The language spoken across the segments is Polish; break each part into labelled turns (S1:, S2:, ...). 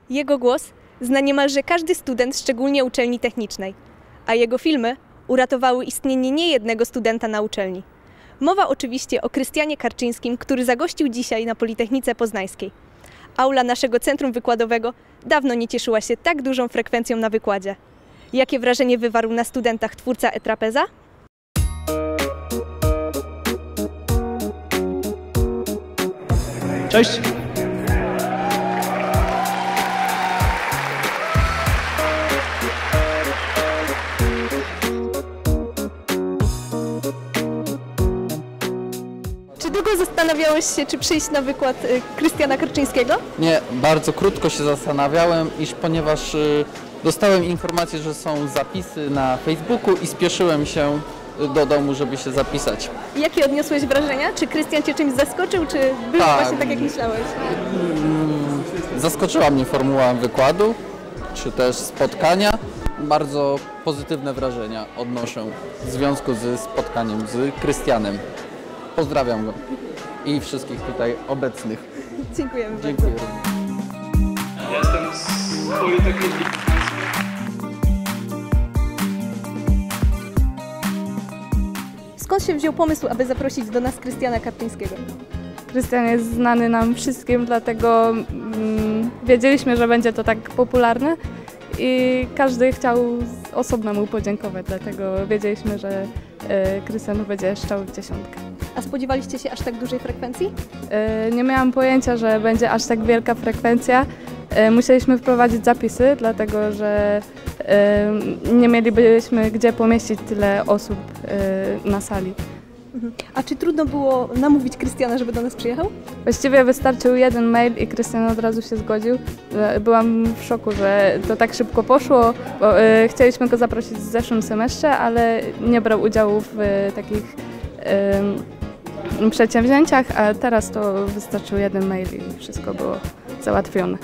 S1: Jego głos zna niemalże każdy student, szczególnie uczelni technicznej, a jego filmy uratowały istnienie niejednego studenta na uczelni. Mowa oczywiście o Krystianie Karczyńskim, który zagościł dzisiaj na Politechnice Poznańskiej. Aula naszego centrum wykładowego dawno nie cieszyła się tak dużą frekwencją na wykładzie. Jakie wrażenie wywarł na studentach twórca E-Trapeza?
S2: Cześć!
S1: Czy długo zastanawiałeś się, czy przyjść na wykład Krystiana Karczyńskiego?
S3: Nie, bardzo krótko się zastanawiałem, ponieważ dostałem informację, że są zapisy na Facebooku i spieszyłem się do domu, żeby się zapisać.
S1: Jakie odniosłeś wrażenia? Czy Krystian Cię czymś zaskoczył, czy było właśnie tak, jak myślałeś?
S3: Zaskoczyła mnie formuła wykładu, czy też spotkania. Bardzo pozytywne wrażenia odnoszę w związku ze spotkaniem z Krystianem. Pozdrawiam go i wszystkich tutaj obecnych.
S1: Dziękujemy
S3: Dziękuję.
S2: Jestem z Politechniki.
S1: Skąd się wziął pomysł, aby zaprosić do nas Krystiana Karczyńskiego?
S4: Krystian jest znany nam wszystkim, dlatego wiedzieliśmy, że będzie to tak popularne i każdy chciał osobno mu podziękować, dlatego wiedzieliśmy, że Krystian będzie szczał w dziesiątkę.
S1: A spodziewaliście się aż tak dużej frekwencji?
S4: Nie miałam pojęcia, że będzie aż tak wielka frekwencja. Musieliśmy wprowadzić zapisy, dlatego że nie mielibyśmy gdzie pomieścić tyle osób na sali.
S1: A czy trudno było namówić Krystiana, żeby do nas przyjechał?
S4: Właściwie wystarczył jeden mail i Krystian od razu się zgodził. Byłam w szoku, że to tak szybko poszło, bo chcieliśmy go zaprosić w zeszłym semestrze, ale nie brał udziału w takich przedsięwzięciach, a teraz to wystarczył jeden mail i wszystko było załatwione.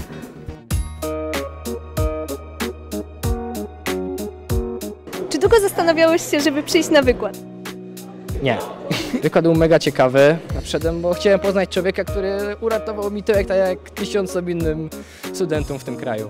S1: Czy długo zastanawiałeś się, żeby przyjść na wykład?
S5: Nie. Wykład był mega ciekawy. Przyszedłem, bo chciałem poznać człowieka, który uratował mi tyłek tak jak tysiącom innym studentom w tym kraju.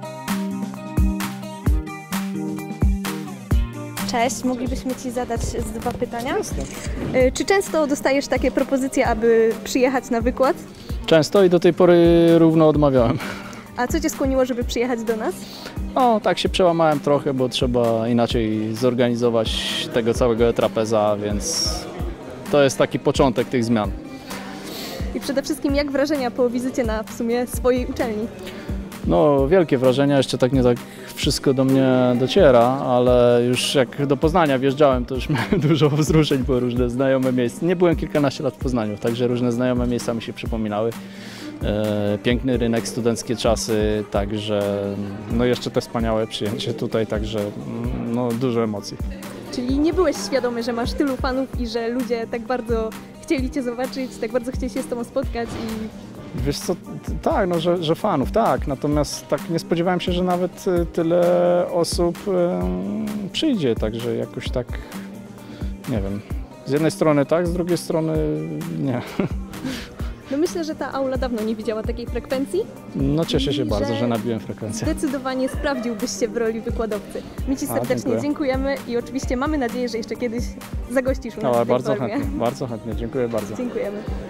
S1: Cześć, moglibyśmy Ci zadać dwa pytania? Czy często dostajesz takie propozycje, aby przyjechać na wykład?
S2: Często i do tej pory równo odmawiałem.
S1: A co Cię skłoniło, żeby przyjechać do nas?
S2: O, tak się przełamałem trochę, bo trzeba inaczej zorganizować tego całego E-Trapeza, więc to jest taki początek tych zmian.
S1: I przede wszystkim jak wrażenia po wizycie na w sumie swojej uczelni?
S2: No, wielkie wrażenia, jeszcze tak nie tak wszystko do mnie dociera, ale już jak do Poznania wjeżdżałem, to już miałem dużo wzruszeń, bo różne znajome miejsca. Nie byłem kilkanaście lat w Poznaniu, także różne znajome miejsca mi się przypominały. Piękny rynek, studenckie czasy, także no jeszcze te wspaniałe przyjęcie tutaj, także no, dużo emocji.
S1: Czyli nie byłeś świadomy, że masz tylu fanów i że ludzie tak bardzo chcieli Cię zobaczyć, tak bardzo chcieli się z Tobą spotkać i...
S2: Wiesz co, tak, no, że fanów, tak, natomiast tak nie spodziewałem się, że nawet tyle osób przyjdzie, także jakoś tak, nie wiem, z jednej strony tak, z drugiej strony nie.
S1: No myślę, że ta aula dawno nie widziała takiej frekwencji.
S2: No cieszę się bardzo, że nabiłem frekwencję.
S1: Zdecydowanie sprawdziłbyś się w roli wykładowcy. My Ci serdecznie dziękujemy i oczywiście mamy nadzieję, że jeszcze kiedyś zagościsz u nas w tej formie.
S2: Bardzo chętnie, dziękuję bardzo.
S1: Dziękujemy.